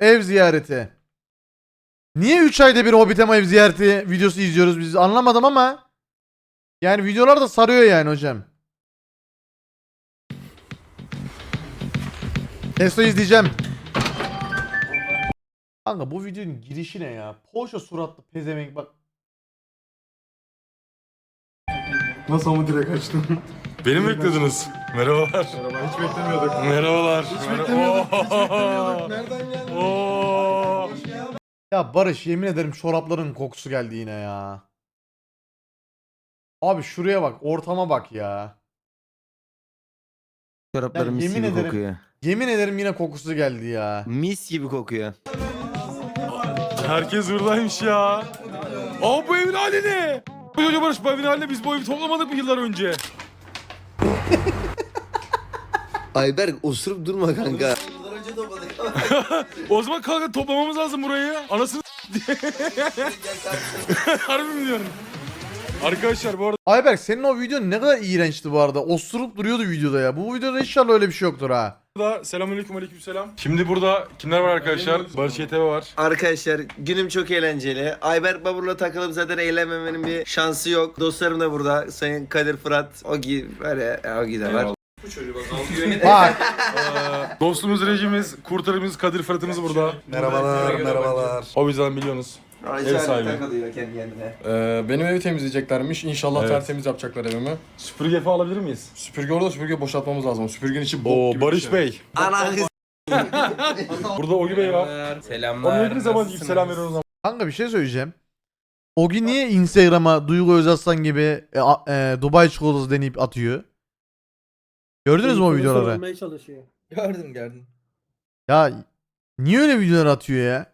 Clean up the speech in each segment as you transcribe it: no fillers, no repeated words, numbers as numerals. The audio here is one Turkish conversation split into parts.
ev ziyareti. Niye 3 ayda bir Hobbit'e ev ziyareti videosu izliyoruz biz anlamadım ama. Yani videolar da sarıyor yani hocam. Testo izleyeceğim. Kanka bu videonun girişi ne ya? Poşa suratlı pezevenk bak. Nasıl ama direkt açtın? Beni mi beklediniz? Merhabalar. Merhaba, hiç beklemiyorduk. Merhabalar. Hiç beklemiyorduk, hiç beklemiyorduk. Nereden geldi? Oo. Ya Barış yemin ederim çorapların kokusu geldi yine ya. Abi şuraya bak, ortama bak ya. Çoraplarım mis yemin gibi ederim- kokuyor. Yemin ederim yine kokusu geldi ya. Mis gibi kokuyor. Herkes buradaymış ya. Aa bu evin hali ne? Hoca Barış bu evin haline biz bu evi toplamadık mı yıllar önce? Ayberk osurup durma kanka. O zaman kanka toplamamız lazım burayı. Anasını Harbi mi diyorum? Arkadaşlar bu arada Ayberk senin o videon ne kadar iğrençti bu arada. Osurup duruyordu videoda ya. Bu videoda inşallah öyle bir şey yoktur ha. selamünaleyküm aleykümselam. Şimdi burada kimler var arkadaşlar? Barış YTV var. Arkadaşlar günüm çok eğlenceli. Ayberk Babur'la takılıp zaten eğlenmemenin bir şansı yok. Dostlarım da burada. Sayın Kadir Fırat, Ogi, böyle Ogi de var. Eyvallah. Bak Dostumuz, rejimiz, kurtarımız, Kadir Fırat'ımız burada. Merhabalar, merhabalar. O bizden biliyorsunuz. Ev sahibi. takılıyor kendi kendine. Benim evi temizleyeceklermiş. İnşallah Evet. tertemiz yapacaklar evimi. Süpürge falan alabilir miyiz? Süpürge orada, süpürge boşaltmamız lazım. Süpürgenin içi bok Oo gibi Barış bir şey. Bey. Ana kız. Burada Ogi Bey var. Selamlar. Onun ne zaman gibi selam veriyoruz ama. kanka bir şey söyleyeceğim. Ogi niye Instagram'a Duygu Özaslan gibi Dubai çikolatası deneyip atıyor? Gördünüz mü o videoları? Olmaya çalışıyor. Gördüm. Ya niye öyle videolar atıyor ya?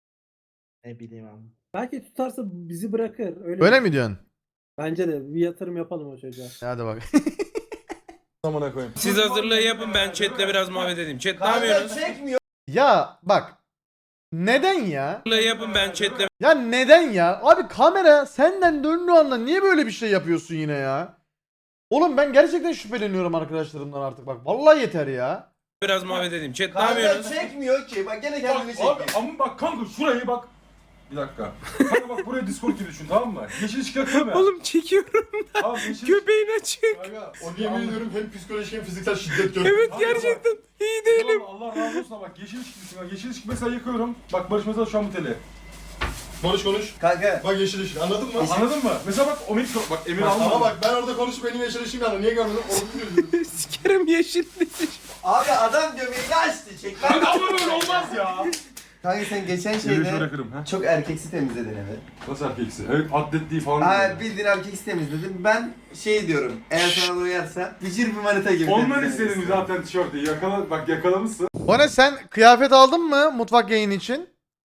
Ne bileyim abi. Belki tutarsa bizi bırakır. Öyle, Öyle mi diyorsun? Bence de bir yatırım yapalım o çocuğa. Hadi bak. Amına koyayım. Siz hazırlığı yapın, ben chatle biraz muhabbet edeyim. Chat ne yapıyorsunuz? Ya bak. Neden ya? Hazırlığı yapın, ben chatle Ya neden ya? Abi kamera senden döndüğü anda niye böyle bir şey yapıyorsun yine ya? Oğlum ben gerçekten şüpheleniyorum arkadaşlarımdan artık bak. Vallahi yeter ya. biraz muhabbet edeyim. Chat ne yapıyorsunuz? çekmiyor ki. Bak gene kendini Abi ama bak kanka şurayı bak. Bir dakika. Kanka bak buraya Discord gibi düşün tamam mı? Yeşil ışık yakıyor mu? Oğlum çekiyorum. Abi yeşil Göbeğin açık. Kanka, o yemin ediyorum hem psikolojik hem fiziksel şiddet görüyorum. Evet gerçekten iyi değilim. Allah razı olsun ama bak yeşil ışık düşün. Bak, yeşil ışık mesela yakıyorum. Bak Barış mesela şu an bu tele. Konuş konuş. Kanka. Bak yeşil ışık anladın mı? Anladın mı? Mesela bak o bak Emir Ama almadı. bak ben orada konuşup benim yeşil ışığım yandı. Niye görmedin? Onu biliyorum. Sikerim yeşil. Abi adam göbeğini açtı. Çek. Kanka ama böyle olmaz ya. Kanka sen geçen Emir şöyle şeyde bırakırım ha. çok erkeksi temizledin evi. Nasıl erkeksi? Evet atletliği falan. Hayır bildiğin erkeksi temizledin. Ben şey diyorum. Eğer sana da uyarsa bıcır bir manita gibi. Ondan temizlemelisin. istedim zaten tişörtü. Bak yakalamışsın. Bana sen kıyafet aldın mı mutfak yayını için?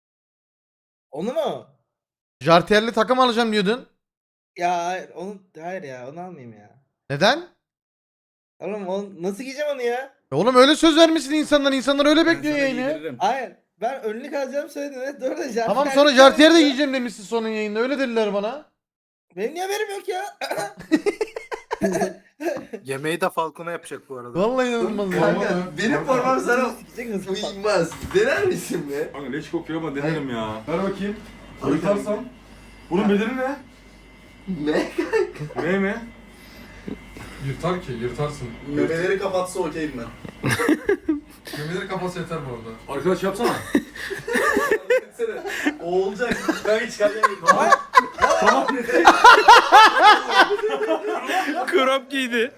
Onu mu? Jartiyerli takım alacağım diyordun. Ya hayır ya onu almayayım ya. Neden? Oğlum nasıl giyeceğim onu ya? Oğlum öyle söz vermişsin insanlar. İnsanlar öyle bekliyor yayını. Hayır ben önlük alacağım söyledin evet doğru da Tamam sonra jartiyer de giyeceğim demişsin sonun yayında. Öyle dediler bana. Benim niye haberim yok ya? Yemeği de Falcon'a yapacak bu arada. Vallahi inanılmaz ya. Kanka benim formam sana Sikecek misin? uymaz. Dener misin be? Kanka leş kokuyor ama denerim ya. Ver bakayım. Yırtarsam. Bunun bedeli ne? Ne? Ne mi? Yırtar ki, yırtarsın. Memeleri kapatsa okeyim ben. Gömeleri kapatsa yeter bu arada. Arkadaş yapsana. O olacak. Ben hiç çıkarmayayım. Krop giydi.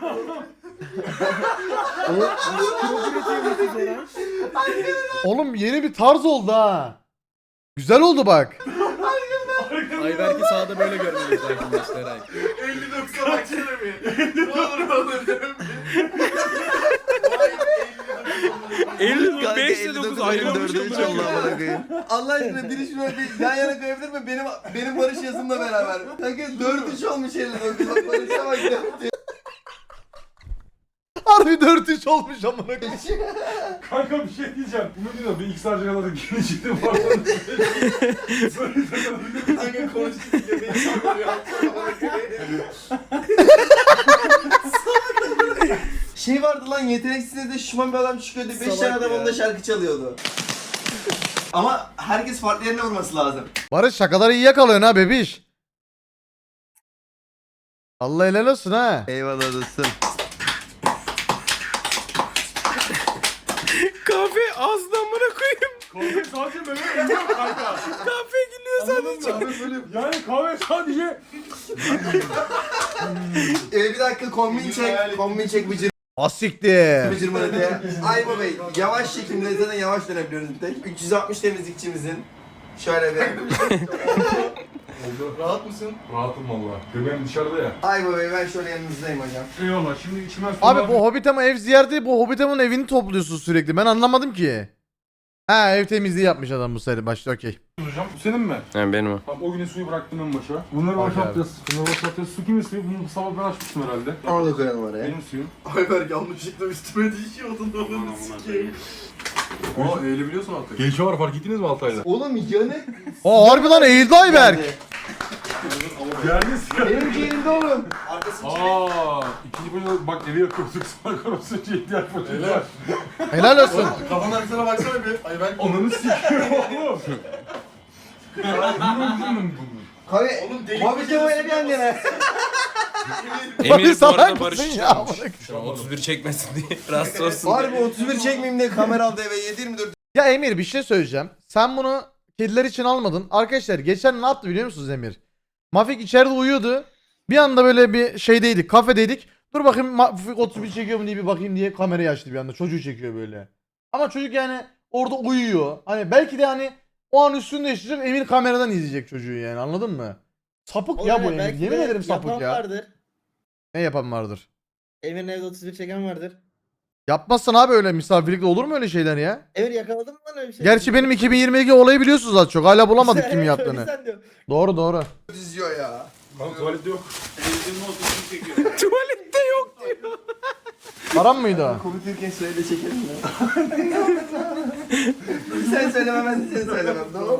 Oğlum yeni bir tarz oldu ha. Güzel oldu bak. Ayberk'i sağda böyle görmeliyiz arkadaşlar. 50-90 baksana bir. Ne olur. 55'te 9 ayrılmış. Allah aşkına biri şunu bir yan yana koyabilir mi? Benim Barış yazımla beraber. Kanka 4-3 olmuş 59. Bak Barış'a bak 4. Harbi 4-3 olmuş amına koyayım. Kanka bir şey diyeceğim. Bunu diyor bir X harcı kadar geri çıktı bu arada. Kanka konuştuk ya beni sallıyor. Şey vardı lan yeteneksizde de şuman bir adam çıkıyordu. 5 tane adam onda şarkı çalıyordu. Ama herkes farklı yerine vurması lazım. Barış şakaları iyi yakalıyorsun ha bebiş. Allah helal olsun ha. Eyvallah dostum. Kahve ağzından bana koyayım. Kahve sadece meme emiyor kanka. Kahve gülüyor sadece. Yani kahve sadece... Bir dakika kombin çek. Kombin çek Asiktir. bıcırmadı. Aybo Bey yavaş çekimde zaten yavaş dönebiliyoruz bir tek. 360 temizlikçimizin. Şöyle bir. Rahat mısın? Rahatım valla. Göbeğim dışarıda ya. Aybo Bey ben şöyle yanınızdayım hocam. Eyvallah şimdi içime su Abi bu Hobbitem'in ev ziyareti, bu Hobbitem'in evini topluyorsun sürekli. Ben anlamadım ki. Ha, ev temizliği yapmış adam bu seri başta, okey. hocam. Bu senin mi? Yani benim o. Tamam o güne suyu bıraktım en başa. Bunları Bak boşaltacağız. Bunları boşaltacağız. Su kimin suyu? Bunu sabah ben açmıştım herhalde. Onu da koyalım oraya. Benim suyum. Ayberk yanlışlıkla üstüme düşüyordun onu sikeyim. Aa eğilebiliyorsun artık. Gelişe var fark ettiniz mi Altay'da? Oğlum yanık. Aa harbi lan eğildi Ayberk. Geldiniz ya. Benimki elimde oğlum. Arkasını çevir. İkinci bölümde bak evi yakıyorduk. Sonra korosuyunca ihtiyaç var. Helal olsun. Kafanın arkasına baksana bir. Ayberk Ananı sikiyorum oğlum. Kahve. Oğlum delik Muhabbet böyle bir yan yana. Emir bu salak arada mısın Barış ya? çalmış. Şu an 31 çekmesin diye rahatsız olsun diye. Harbi 31 çekmeyeyim diye kamera aldı eve 7-24. Ya Emir bir şey söyleyeceğim. Sen bunu kediler için almadın. Arkadaşlar geçen ne yaptı biliyor musunuz Emir? Mafik içeride uyuyordu. Bir anda böyle bir şeydeydik, kafedeydik. Dur bakayım Mafik 31 çekiyor mu diye bir bakayım diye kamerayı açtı bir anda. Çocuğu çekiyor böyle. Ama çocuk yani orada uyuyor. Hani belki de hani o an üstünde yaşayacak, Emir kameradan izleyecek çocuğu yani, anladın mı? Sapık ya bu Emir. Belki Yemin de ederim sapık yapan ya. vardır. Ne yapan vardır? Emir'in evde 31 çeken vardır. Yapmazsan abi öyle misafirlikte olur mu öyle şeyler ya? Emir yakaladın mı lan öyle bir şey? Gerçi benim 2022 olayı biliyorsunuz az çok. Hala bulamadık kim Evet, yaptığını. öyleysen diyor. Doğru doğru. Diziyor ya. Lan tuvalette yok. Tuvalette yok diyor. Param mıydı o? Konuşurken söyle çekelim ya. Sen söyleme ben de seni söylemem tamam.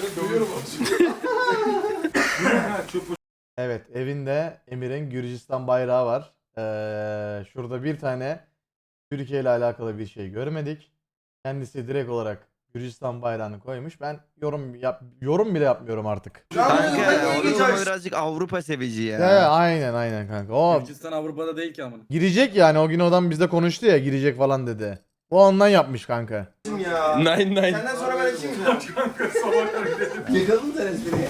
Evet, evinde Emir'in Gürcistan bayrağı var. Şurada bir tane Türkiye ile alakalı bir şey görmedik. Kendisi direkt olarak Gürcistan bayrağını koymuş. Ben yorum bile yapmıyorum artık. Kanka onun birazcık Avrupa sevici ya. Aynen kanka. O Gürcistan Avrupa'da değil ki amına. girecek yani, o gün adam bizde konuştu ya, girecek falan dedi. O ondan yapmış kanka. Ya. Nine. Senden sonra ben açayım mı? Kanka sabah hareket. Yakaladın sen espriyi.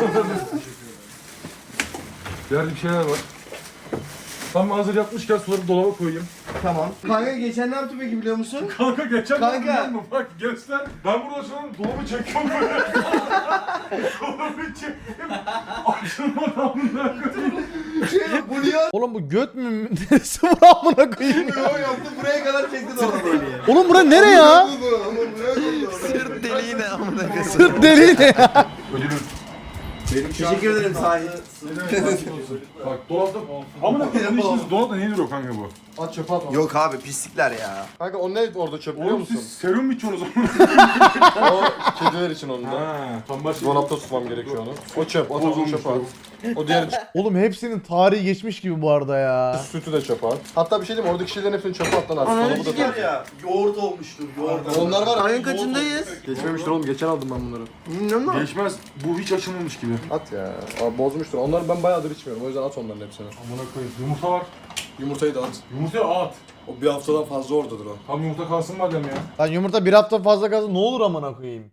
Yerde bir şeyler var. Tam hazır yapmışken suları dolaba koyayım. Tamam. Kanka geçen ne yaptı peki biliyor musun? Kanka geçen Kanka. biliyor musun? Bak göster. Ben burada şu an dolabı çekiyorum böyle. Dolabı çektim. Açılmadan bunlar koyayım. Bu niye Oğlum bu göt mü? Neresi bu amına koyayım ya? atıyor yaptı buraya kadar çekti dolabı. Oğlum bura nere ya? Sırt deliği ne amına koyayım. Sırt deliği ne ya? Ödülüm. Teşekkür ederim sahip. Bak dolapta... Amına koyayım işiniz dolapta nedir o kanka bu? At çöpe atma. Yok abi pislikler ya. Kanka o ne orada çöp biliyor Oğlum musun? siz serum mu içiyorsunuz onu? O kediler için onu da. Ha, tam başka... Dolapta tutmam gerekiyor onu. O çöp, o tavuğu çöpe at. O diğer Oğlum hepsinin tarihi geçmiş gibi bu arada ya. sütü de çöpe at. Hatta bir şey diyeyim mi? Oradaki şeylerin hepsini çöpe at lan artık. Dolabı da tut. Ya yoğurt olmuştur yoğurt. Onlar var. Ayın kaçındayız? Geçmemiştir oğlum. Geçen aldım ben bunları. Bilmiyorum ama. Geçmez. Bu hiç açılmamış gibi. At ya. Abi bozmuştur. Onları ben bayağıdır içmiyorum. O yüzden at onların hepsini. Amına koyayım. Yumurta var. Yumurtayı da at. Yumurtaya at. O bir haftadan fazla oradadır o. Tam yumurta kalsın madem ya. Lan yumurta bir hafta fazla kalsın ne olur amına koyayım.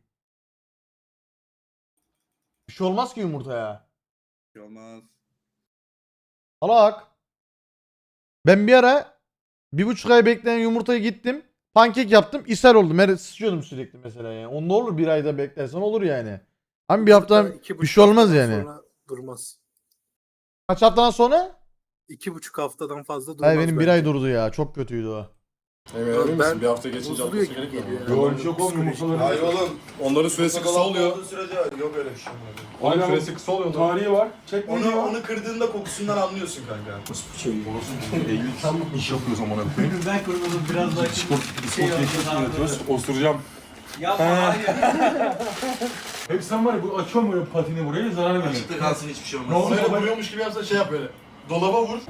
Bir şey olmaz ki yumurtaya. Olmaz. Salak. Ben bir ara 1,5 ay bekleyen yumurtayı gittim. Pankek yaptım. İshal oldum. Sıçıyordum sürekli mesela yani. O ne olur, bir ayda beklersen olur yani. Ama bir hafta bir şey olmaz yani. Durmaz. Kaç haftadan sonra? 2,5 haftadan fazla durmaz. Hayır benim bir ay durdu ya. Çok kötüydü o. Emin misin? Bir hafta geçince bozuluyor atması gibi gerekmiyor mu? geliyor. Yok öyle bir şey yok oğlum yumurtaları. Hayır oğlum. Onların süresi kısa oluyor. Yok öyle bir şey. Onun Aynen. süresi kısa oluyor. onların. Tarihi var. Çekmeyi var. Onu kırdığında kokusundan anlıyorsun kanka. Eylül iş yapıyoruz amına koyayım. Ben kurulum biraz daha Spor geçmiş üretiyoruz. Osuracağım. Yapma hayır. Hep sen var ya bu açıyorum böyle patini buraya zarar veriyor. Açıkta kalsın hiçbir şey Ne olmaz. oldu? Böyle vuruyormuş gibi yapsa şey yap böyle. Dolaba vur.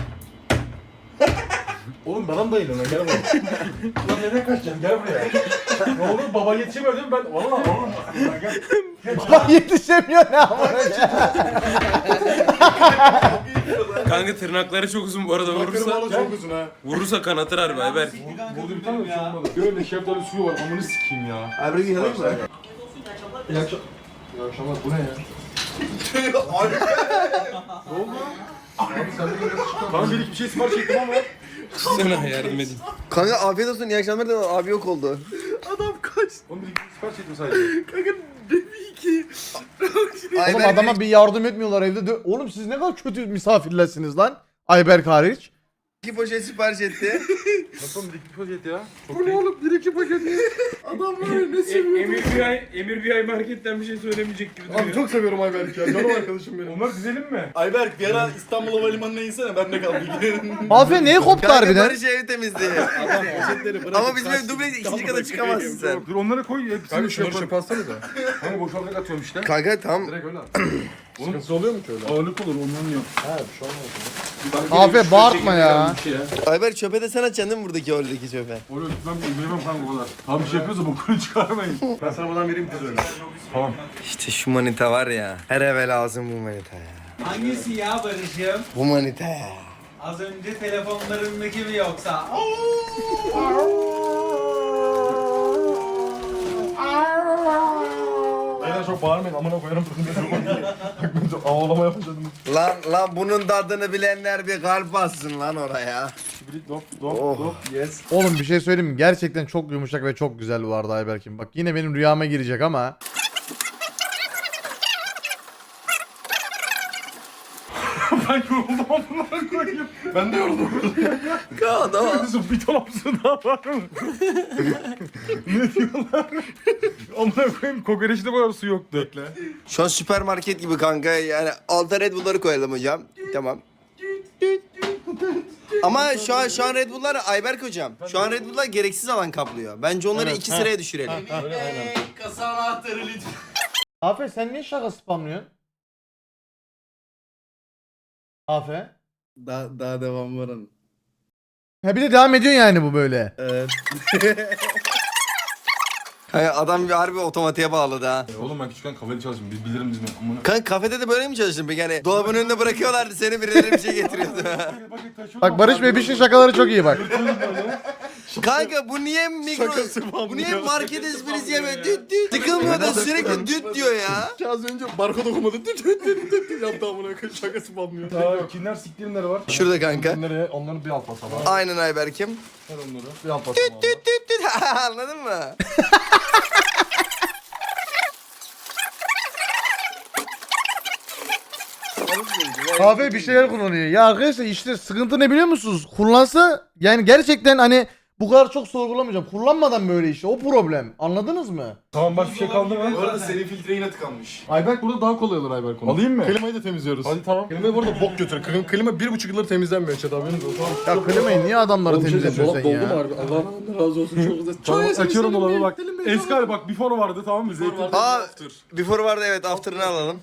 Oğlum bana mı bayılıyorsun? Gel buraya. Lan nereye kaçacaksın? Gel buraya. Ne olur baba yetişemiyor değil mi ben? Valla. Bak yetişemiyor ne ama. Kanka tırnakları çok uzun bu arada vurursa. Çok uzun ha. Vurursa kanatır harbi Ayberk. Burada bir tane bir şey olmadı. Böyle şeftali suyu var amını sikeyim ya. Abi bir yalan mı? İyi akşamlar bu ne ya? Kanka bir iki bir şey sipariş ettim ama. Sana yardım edeyim. Kanka afiyet olsun iyi akşamlar da abi yok oldu. Oğlum bir iki sipariş ettim sadece. Oğlum adama bir yardım etmiyorlar evde. Oğlum siz ne kadar kötü misafirlersiniz lan. Ayberk hariç. 2 poşet sipariş etti. Nasıl oğlum bir iki poşet ya? Bu ne oğlum 1-2 paket. Emir bir ay marketten bir şey söylemeyecek gibi Abi çok seviyorum Ayberk ya. Canım arkadaşım benim. Onları dizelim mi? Ayberk bir ara İstanbul Havalimanı'na insene ben de kaldım. Mafya neye koptu Kanka harbiden? Barış ev temizliği. Ama bizim ev dubleks ikinci kata çıkamazsın sen. Dur onları koy. Kanka Hepsini şunları yaparım. çöpe atsana da. Hani boşaltarak atıyorum işte. Kanka tam Direkt öyle at. Sıkıntısı oluyor mu ki öyle? Ağırlık olur ondan yok. He bir şey olmaz. Afe bağırtma ya. Ayber çöpe de sen atacaksın değil mi buradaki oradaki çöpe? Oraya gitmem bilmem kanka o kadar. Abi bir şey yapıyorsa bokunu çıkarmayın. Ben sana buradan vereyim kız öyle. Tamam. İşte şu manita var ya. Her eve lazım bu manita ya. Hangisi ya Barış'ım? Bu manita ya. Az önce telefonlarındaki mi yoksa? Beyler çok bağırmayın amına koyarım. Bak ben çok ağlama yapacağım. Lan bunun tadını bilenler bir kalp bassın lan oraya. Dop Oh. dop yes. Oğlum bir şey söyleyeyim mi? Gerçekten çok yumuşak ve çok güzel bu arada Ayberk'im. Bak yine benim rüyama girecek ama. Ben yoruldum amına koyayım. Ben de yoruldum. Kızım bir dolapsın daha var mı? Ne diyorlar? Amına koyayım kokoreçte bu kadar su yoktu. Bekle. Şu an süpermarket gibi kanka yani alta Red Bull'ları koyalım hocam. Tamam. Ama şu an Red Bull'lar Ayberk hocam. Şu an Red Bull'lar gereksiz alan kaplıyor. Bence onları 2 sıraya düşürelim. Kasa anahtarı lütfen. Afe sen niye şaka spamlıyorsun? Afe. Daha devam var hanım. Ha bir de devam ediyor yani bu böyle. Evet. Kanka adam bir harbi otomatiğe bağladı ha. Oğlum ben küçükken kafede çalıştım. Bilirim dizimi. Amına. Kanka kafede de böyle mi çalıştın peki? Yani dolabın önünde bırakıyorlardı seni birileri bir şey getiriyordu. Bak Barış Bebiş'in şakaları çok iyi bak. Kanka bu niye bu niye market esprisi yeme düt düt. Sıkılmıyor da sürekli düt diyor ya. Az önce barkod okumadı. Yaptı amına koyayım şakası banmıyor. Aa kinler siktirimleri var. Şurada kanka. Onları bir alt basamak. Aynen Ayberk'im. Ver onları. Bir alt basamak. Düt düt düt. Anladın mı? Afe bir şeyler kullanıyor. Ya arkadaşlar işte sıkıntı ne biliyor musunuz? Kullansa yani gerçekten hani bu kadar çok sorgulamayacağım. Kullanmadan böyle işte o problem. Anladınız mı? Tamam bak bir şey kaldı mı? Bu arada senin filtre yine tıkanmış. Ayberk burada daha kolay olur Ayberk onu. Alayım mı? Klimayı da temizliyoruz. Hadi tamam. Klimayı bu arada bok götür. Klima 1,5 yıldır temizlenmiyor Çet haberiniz olsun. Ya klimayı niye adamları temizletiyorsun sen Doldu mu ya? harbi? Allah razı olsun çok güzel. Tamam açıyorum dolabı bak. Selim Bey, Eskal bak before vardı tamam mı? Zeytin. Aa before vardı evet after'ını alalım.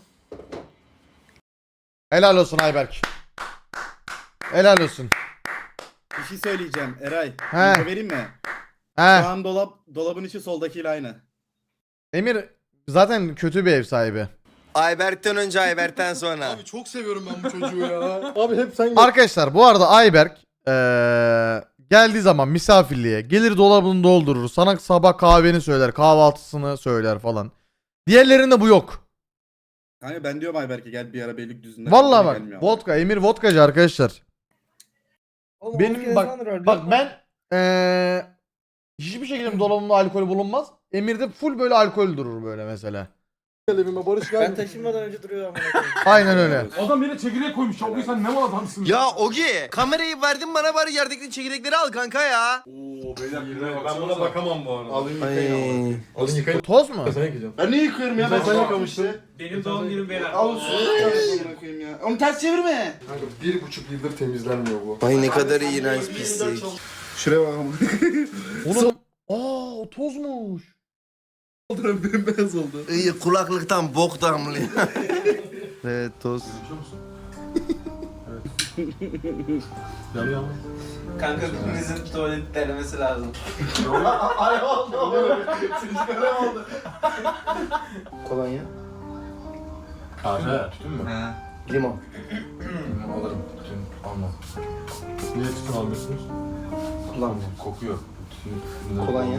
Helal olsun Ayberk. Helal olsun. Bir şey söyleyeceğim Eray. He. Info vereyim mi? Şu He. an dolabın içi soldakiyle aynı. Emir zaten kötü bir ev sahibi. Ayberk'ten önce Ayberk'ten sonra. Abi çok seviyorum ben bu çocuğu ya. Abi hep sen Arkadaşlar bu arada Ayberk geldiği zaman misafirliğe gelir dolabını doldurur. Sana sabah kahveni söyler, kahvaltısını söyler falan. Diğerlerinde bu yok. Hani ben diyorum Ayberk'e gel bir ara Beylikdüzü'nde. Vallahi Gelmiyor bak ama. vodka, Emir vodkacı arkadaşlar. Benim bak ben hiçbir şekilde dolabımda alkol bulunmaz. Emir'de full böyle alkol durur böyle mesela. gel evime Barış gel. Ben taşınmadan önce duruyor ama. Aynen öyle. Adam yine çekirdek koymuş. Çok iyi sen ne mal adamsın. Ya Ogi kamerayı verdin bana bari yerdeki çekirdekleri al kanka ya. Oo beyler ben buna bakamam bu arada. Alayım Ay. yıkayın. Alın yıkayın. Toz mu? Ben sana yıkayacağım. Ben niye yıkıyorum ya? Ben Ben sen sana yıkamıştın. Benim doğum günüm beyler. Al suyu ya. Onu ters çevirme. Kanka 1,5 yıldır temizlenmiyor bu. Ay ne kadar iğrenç pislik. Şuraya bakalım. Oğlum o tozmuş. Bembeyaz oldu. İyi kulaklıktan bok damlıyor. Evet toz. Yanıyor mu? Kanka birimizin tuvalet denemesi lazım. Ay oldu. Sizlere oldu. Kolonya. Kahve. Tütün mü? Limon. Alırım. Tütün almam. Niye tütün almıyorsunuz? Kullanmıyorum. Kokuyor. Tütün. Kolonya.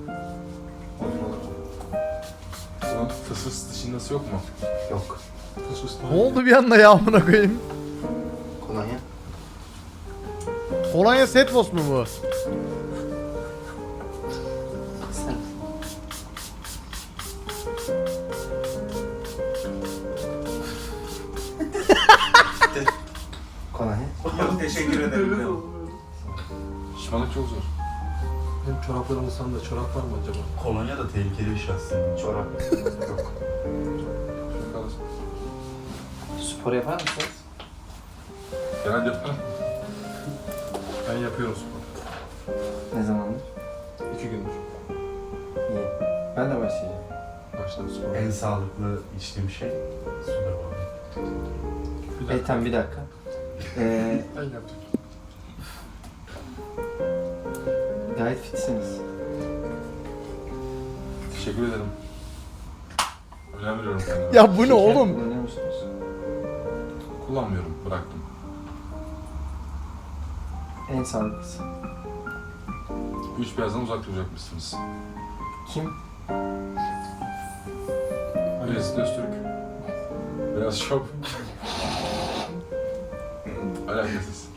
Bunun fıs fıs dışındası yok mu? Yok. Fıs fıs Ne oldu bir anda ya amına koyayım? Kolonya. Kolonya Setfos mu bu? Sen. Kolonya. Yok teşekkür ederim. Şişmanlık çok zor. Benim çoraplarımı da çorap var mı acaba? Kolonya da tehlikeli bir şey aslında. Çorap. Yok. Şunu kalırsın. Spor yapar mısın? Genelde yaparım. Ben yapıyorum spor. Ne zamandır? 2 gündür. İyi. Ben de başlayacağım. Başladım spor. En sağlıklı içtiğim şey sudur bu. Bir dakika. Tamam bir dakika. Ben yaptım. Gayet fitsiniz. Teşekkür ederim. Önem veriyorum kendime. Ya bu ne oğlum? Kullanıyor musunuz? Kullanmıyorum. Bıraktım. En sağlıklısı. 3 beyazdan uzak duracakmışsınız. Kim? Mesut Öztürk. Beyaz şov. Alakasız.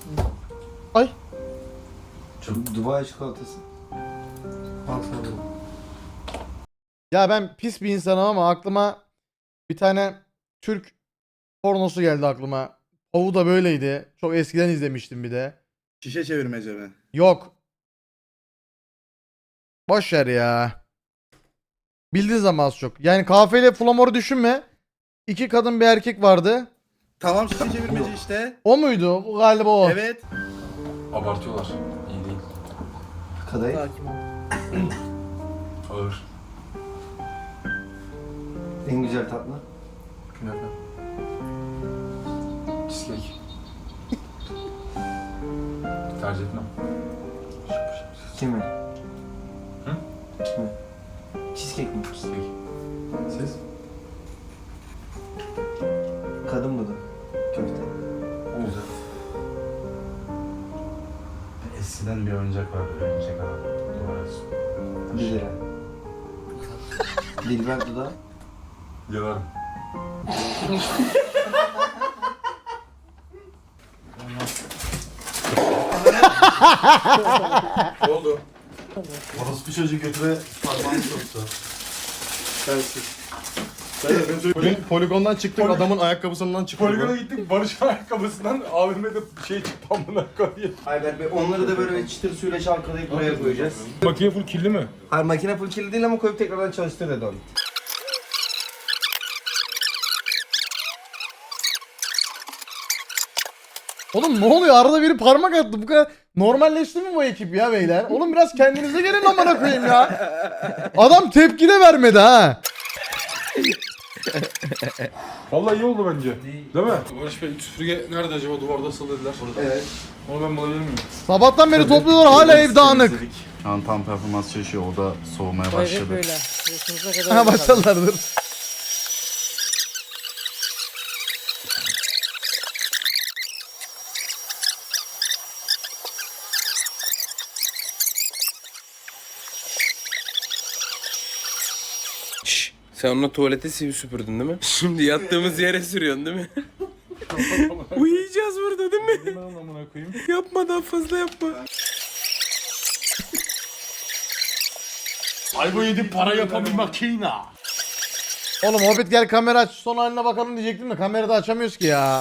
Dubai çikolatası. Ya ben pis bir insanım ama aklıma bir tane Türk pornosu geldi aklıma. Ovu da böyleydi. Çok eskiden izlemiştim bir de. Şişe çevirmece mi? Yok. Boş ver ya. Bildiğin zaman az çok. Yani kahveyle flamor'u düşünme. 2 kadın bir erkek vardı. Tamam şişe çevirmece işte. O muydu? Bu galiba o. Evet. Abartıyorlar. İyi değil. Kadayıf. Ağır. En güzel tatlı. Künefe. Cheesecake. Tercih etmem. Kimi? Hı? Kimi? Cheesecake mi? Cheesecake. Siz? Kadın mı da? Köfte. Güzel. Eskiden bir oyuncak vardı. Oyuncak adam. Duvara asıyor. 1 lira. Dilber dudağı. Yalarım. Ne oldu? Orospu çocuğu götüre parmağını soktu. Poligondan çıktık adamın ayakkabısından çıktık. Poligona gittik Barış'ın ayakkabısından abime de şey çıktı amına koyayım. Ayber Bey onları da böyle çıtır suyla çalkalayıp buraya koyacağız. Makine full kirli mi? Hayır makine full kirli değil ama koyup tekrardan çalıştır dedi onu. Oğlum ne oluyor? Arada biri parmak attı. Bu kadar normalleşti mi bu ekip ya beyler? Oğlum biraz kendinize gelin amına koyayım ya. Adam tepki de vermedi ha. Vallahi iyi oldu bence. Değil mi? Barış Bey süpürge nerede acaba? Duvarda asılı dediler. Evet. Onu ben bulabilir miyim? Sabahtan beri topluyorlar hala ev dağınık. Şu an tam performans çalışıyor. O da soğumaya başladı. Ha başladılardır. Şşş. Sen onunla tuvalete süpürdün değil mi? Şimdi yattığımız yere sürüyorsun değil mi? Uyuyacağız burada değil mi? Ben amına koyayım. Yapma daha fazla yapma. Aybo yedi para yapan bir makina. Oğlum Hobbit gel kamera aç son haline bakalım diyecektim de kamerada açamıyoruz ki ya.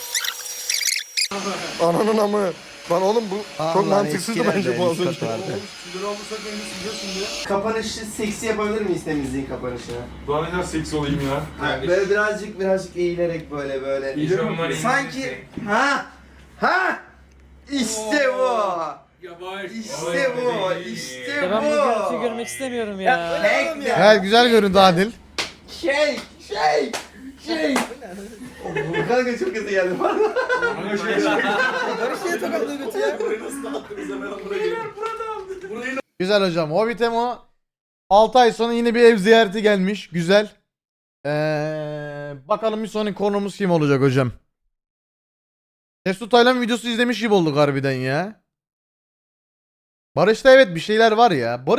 Ananın amı. Lan oğlum bu çok mantıksızdı bence bu az önce. Kapanışı seksi yapabilir miyiz temizliğin kapanışını? Daha ne kadar seksi olayım ya. Böyle birazcık eğilerek böyle. İyi Sanki ha işte bu. İşte bu. İşte Ben bu görüntüyü bu. görmek istemiyorum ya. Evet güzel göründü Adil. Shake. Kanka çok kötü geldi. Kanka şey Barış niye tokatlığı götü ya? Burayı nasıl dağıttınız hemen burayı. Güzel hocam. Hobbit Emo 6 ay sonra yine bir ev ziyareti gelmiş. Güzel. Bakalım bir sonraki konumuz kim olacak hocam? Mesut Taylan videosu izlemiş gibi olduk harbiden ya. Barış'ta evet bir şeyler var ya.